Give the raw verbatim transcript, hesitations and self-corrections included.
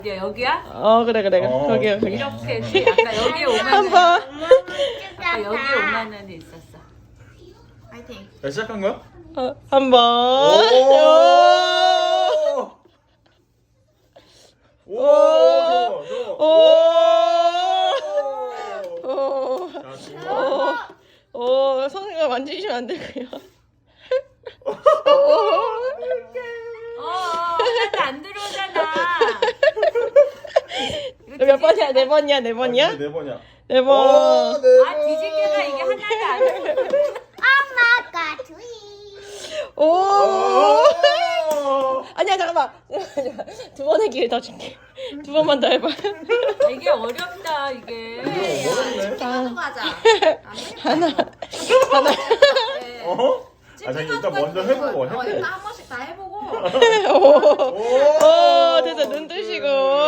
어디야 여기야? 어 그래 그래 그래. 어. 거기야 거기. 이렇게 했지. 아까 여기에 오만 원. 한 번. 아까 여기에 오만 원이 있었어. 파이팅. 야, 시작한 거야? 어, 한 번. 오! 오! 오. 오! 오. 자, 지금 오. 오. 성우가 만지시면 안 되고요. 어, 하나도 안 들어오잖아. 이거 몇 번이야? 네 번이야? 네 번이야? 아, 네 번이야. 네 오, 번. 네 아 번. 뒤집개가 이게 하나도 안 들어오. 엄마가 트윗. 오. 오! 아니야 잠깐만. 두 번의 기회 더 줄게. 두 번만 더 해봐. 이게 어렵다 이게. 이거 어렵네. 찍어서 가자. 하나. 하나. 어? 아, 자, 일단 먼저 해보고, 어, 해보고. 일단 한 번씩 다 해보고. 오. 오. 됐어 눈 뜨시고.